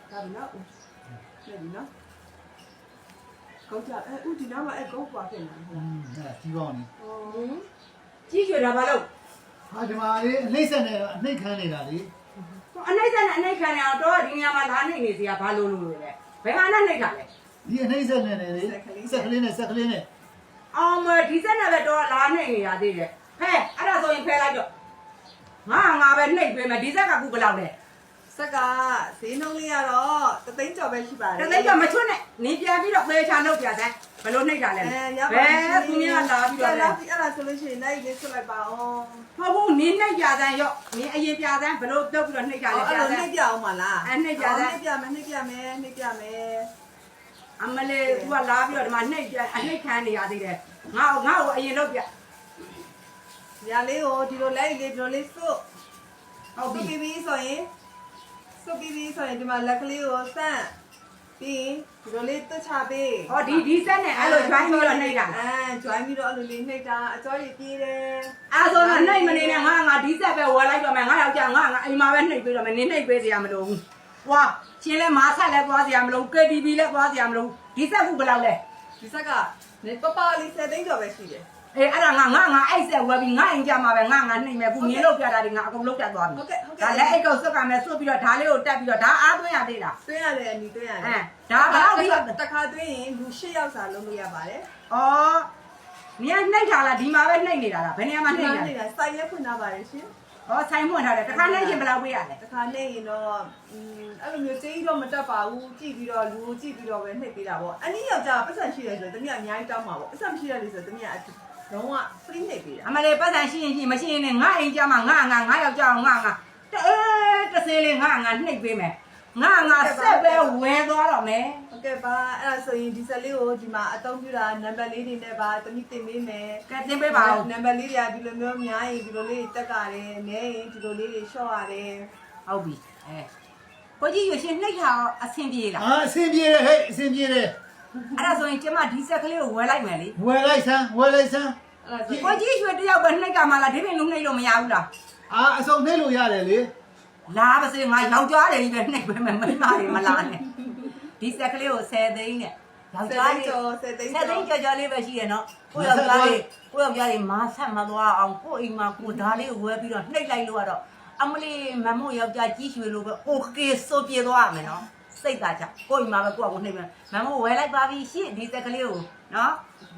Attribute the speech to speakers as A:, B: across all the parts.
A: ဒါပြီနော်ပြပြီနော်ကောက်ကြဥဒီနားမှာကောက်ပွားဖြစ်နေတယ်
B: ကြီးပေါင်းနေ
C: ကြီးရွှေတာဘာလို့
B: ဟာဒီမှာလေအနှိမ့်ဆက်နေအနှိမ့်ခမ်းနေတာလေ
C: အနှိမ့်ဆက်နဲ့အနှိမ့်ခံနေအောင်တော့ဒီနေရာမှာလာနှိမ့်နေစီကဘာလို့လို့လဲဘယ်ဟာနဲ့နှိမ့်တာလဲ
B: ဒီအနှိမ့်ဆက်နေတယ်လေဆက်ကလေးနဲ့
C: အောင်မဒီဆက်နဲ့ပဲတော့လာနှိမ့်နေရသေးတယ်ဖဲအဲ့ဒါဆိုရင်ဖဲလိုက်တော့ငါပဲနှိမ့်ပေးမယ်ဒီဆက်ကခုဘယ်လောက်လဲ
A: ဆက်ကဈေးနှုန်းလေးကတော့တသိန်းကျော်ပဲရှိပါတယ်
C: တသိန်းကျော်မချွတ်နဲ့နင်းပြန်ပြီးတော့ဖေးချနှုတ်ပြစမ်းဘယ်လိုနှိမ့်တာလဲဘယ်သူများလာပြီးတော့လဲ
A: အဲ့ဒါဆိုလို့ရှိရင်နိုင်လေးဆွလိုက်ပါအောင်
C: ဟုတ်ဘူးနင်းနှိမ့်ပြစမ်းရောနင်းအရင်ပြစမ်းဘယ်လိုပြုတ်ပြီးတော့နှိမ့်တာလဲ
A: ပြစမ်းအဲ့လိုနှိမ့်ပြအောင်မလား
C: နှိမ့်ပြစမ်း
A: နှိမ့်ပြမယ်
C: အမလေးသူကလာပြီးတော့ဒီမှာနှိမ့်ပြအနှိမ့်ခံနေရသေးတယ်ငါ့ကိုအရင်လုပ်ပြ
A: ညာလေးကိုဒီလိုလိုက်လေးဒီလိုလေးစွတ်
C: ဟုတ်ပြီ
A: ပြီးဆိုရင်ဒီမှာလက်ကလေးကိုဆန့်ပြီးဒီလိုလေးတွတ်ချပေး
C: ဟောဒီဆက်နဲ့အဲ့လို join ပြီးတော့နှိမ့်တာ
A: join ပြီးတော့အဲ့လိုလေးနှိမ့်တာအကျော်ကြီးပြေးတယ်
C: အဲ့ဆိုတော့နှိမ့်မနေနဲ့ငါဒီဆက်ပဲဝယ်လိုက်တော့မယ်ငါယောက်ျားငါအိမ်မှာပဲနှိမ့်ပေးတော့မယ်နင်းနှိမ့်ပေးစရာမလိုဘူးဟွာရှင်လဲမာဆက်လဲသွားစရာမလို KTV လဲသွားစရာမလိုဒီဆက်ခုဘယ်လောက်လဲ
A: ဒီဆက်ကပပလေး7သိန်းကျော်ပဲရှိတယ်
C: အေးအဲ့ဒါငါအဲ့ဆက်ဝယ်ပြီးငါအိမ်ကြမှာပဲငါနှိမ့်မယ်ခုမြင်လို့ပြတာဒီငါအကုန်လုံးပြတ်သွားပြီဒါလက်အိတ်ကောစွတ်ကမယ်စွတ်ပြီးတော့ဓာလေးကိုတက်ပြီးတော့ဓာအားသွင်းရသေးလား
A: သွင်းရတယ်အနီသွင်းရတယ်
C: ဒါဘယ်လောက်ဒီ
A: တခါသွင်းရင်လူ8ယောက်စာလုံးလို့ရပါတယ်
C: ဩနင်ကနှိမ့်ထားလားဒီမှာပဲနှိမ့်နေတာလားဘယ်နေရာမှာနှိမ့်
A: နေတာစိုက်ရဲဖွင့်ထားပါတယ်ရှင်
C: ဟောဆိုင်ဖွင့်ထားတယ်တခါနှိမ့်ရင်ဘယ်လောက်ပေးရလဲ
A: တခါနှိမ့်ရင်တော့အဲ့လိုမျိုးကြီးတော့မတက်ပါဘူးကြည့်ပြီးတော့လူကိုကြည့်ပြီးတော့ပဲနှိမ့်ပေးတာပေါ့အနည်းယောက်ျားပတ်စံရှိတယ်ဆိုတော့တမီးအများကြီးတောင်းပါပေါ့ပတ်စံမရှိရလေဆိုတော့တမီးလုံးဝ free နှိပ်ပေးတာ
C: အမလေးပတ်စံရှိရင်မရှိရင်ငါအိမ်ကြမှာငါယောက်ျားငါတစင်းလေးငါနှိပ်ပေးမယ်ငါဆက်ပဲဝယ်သွားတော့မယ်
A: ဟုတ်ကဲ့ပါအဲ့ဒါဆိုရင်ဒီဆက်လေးကိုဒီမှာအသုံးပြုတာနံပါတ်လေးတွေနဲ့ပါတမိတင်ပေးမယ်
C: ကဲတင်ပေးပါဦး
A: နံပါတ်လေးတွေကဒီလိုမျိုးများရင်ဒီလိုလေးတက်ကြတယ်နဲရင်ဒီလိုလေးတွေရှော့ရတယ်
C: ဟုတ်ပြီကိုကြီးရရှင်နှိပ်တာအဆင်ပြေလား
B: အဆင်ပြေတယ်ဟဲ့အဆင်ပြေတယ်
C: အဲ့ဒါဆိုရင်ကျမဒီဆက်ကလေးကိုဝယ်လိုက်မယ်လေ
B: ဝယ်လိုက်စမ်း
C: ကိုကြီးရွှေတယောက်ပဲနှိပ်ကြမှာလားဒီပြင်လုံးနှိပ်လို့မရဘူးလား
B: အစုံနှိပ်လို့ရတယ်လေ
C: လာပါစေငါယောက်ျားတွေကြီးပဲနှိပ်ပဲမိန်းမတွေမလာနဲ့ဒီဆက်ကလေးကို10သိန်းနဲ့ယောက်ျားတွေ10သိန်းကျော်လေးပဲရှိရနော်ကိုယောက်ျားတွေမာဆက်မသွားအောင်ကိုအိမ်မှာကိုဓာလေးကိုဝယ်ပြီးတော့နှိပ်လိုက်လို့ကတော့အမလေးမမို့ယောက်ျားကြီးရွှေလိုပဲโอเคဆိုပြေသွားရမယ်နော်စိတ်သာချကိုအိမ်မှာပဲကိုယ့်ကိုနှိပ်မယ်မမို့ဝယ်လိုက်ပါပြီရှင့်ဒီဆက်ကလေးကိုနော်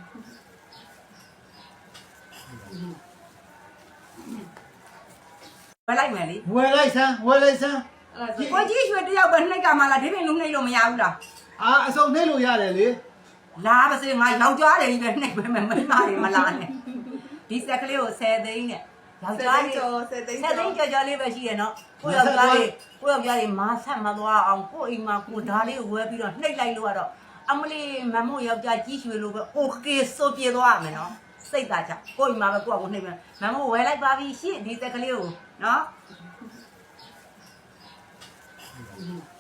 C: ဝယ်လိုက်မယ်လေ
B: ဝယ်လိုက်စမ်း
C: ဒီကိုကြီးရွှေတယောက်ပဲနှိပ်ကြမှာလားဒီပြင်လုံးနှိပ်လို့မရဘူးလား
B: အစုံနှိပ်လို့ရတယ်လေ
C: လာပါစေငါယောက်ျားတွေကြီးပဲနှိပ်ပဲမိန်းမတွေမလာနဲ့ဒီဆက်ကလေးကို10သိန်းနဲ့ယောက်ျားတွေ10သိန်းကျော်လေးပဲရှိရနော်ကိုယောက်ျားတွေမာဆက်မသွားအောင်ကိုအိမ်မှာကိုဓာလေးကိုဝယ်ပြီးတော့နှိပ်လိုက်လို့ကတော့အမလေးမမို့ယောက်ျားကြီးရွှေလိုပဲโอเคဆိုပြေသွားရမယ်နော်စိတ်သာချကိုအိမ်မှာပဲကိုယ့်ကိုနှိပ်မယ်မမို့ဝယ်လိုက်ပါပြီရှင့်ဒီဆက်ကလေးကိုနော်